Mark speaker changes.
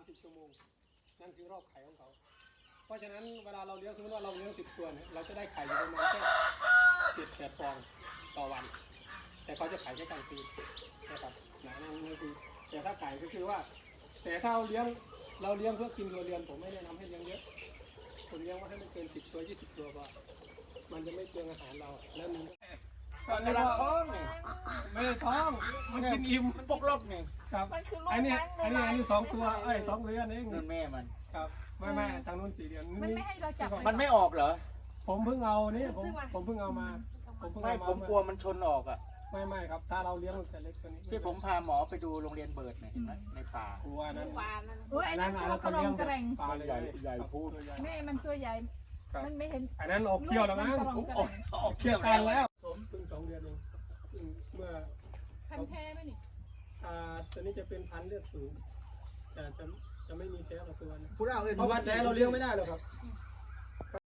Speaker 1: 30 ชั่วโมงนั่นคือรอบไข่ของเขาเพราะฉะนั้นเวลาเราเลี้ยงสมมติว่าเราเลี้ยง10 ตัวเนี่ยเราจะได้ไข่อยู่ประมาณแค่7-8 ฟองต่อวันแต่เขาจะไข่แค่กลางคืนนะครับนั่นคือแต่ถ้าไก่ก็คือว่าแต่ถ้าเราเลี้ยงเพื่อกินตัวเรือนผมไม่แนะนำให้เลี้ยงเยอะผมเลี้ยงว่าให้มันเกิน10 ตัว 20 ตัวพอมันจะไม่เปลืองอาหารเราแล้วมันตอนนี้เราท้องไม่ได้ท้องมันกินอิ่มมันปกลบไงครับอันนี้2 ตัว2 เดือนเอง
Speaker 2: นั่นแม่มัน
Speaker 1: ครับไม่ทางนู้น4 เดือน
Speaker 3: มันไม่ให้เราจับ
Speaker 2: มันไม่ออกเหรอ
Speaker 1: ผมเพิ่งเอานี่ผมเพิ่งเอามา
Speaker 2: ผมกลัวมันชนออกอ่ะ
Speaker 1: ไม่ครับถ้าเราเลี้ยงมันจะเล็กกว่านี้
Speaker 2: ที่ผมพาหมอไปดูโรงเรียนเบิร์ดเนี่ยเห็นไหมในป่าก
Speaker 1: ลัวนั้น
Speaker 3: ไอ้นั่นเขากระรองกระแรง
Speaker 1: ปลาใหญ่พูด
Speaker 3: แม่มันตัวใหญ่มันไม่เห็น
Speaker 1: อันนั้นออกเที่ยวแล้วมั้งออกเที่ยวกันแล้วผมเพิ่ง2 เดือนเองเมื่อ
Speaker 3: พันแท้ไหมนี่
Speaker 1: ตัวนี้จะเป็นพันธุ์เลือดสูงแต่จะไม่มีแท้กับตัวนะ
Speaker 2: พูดเอาเลย
Speaker 1: เพราะว่าแท้เราเลี้ยงไม่ได้หรอกครับ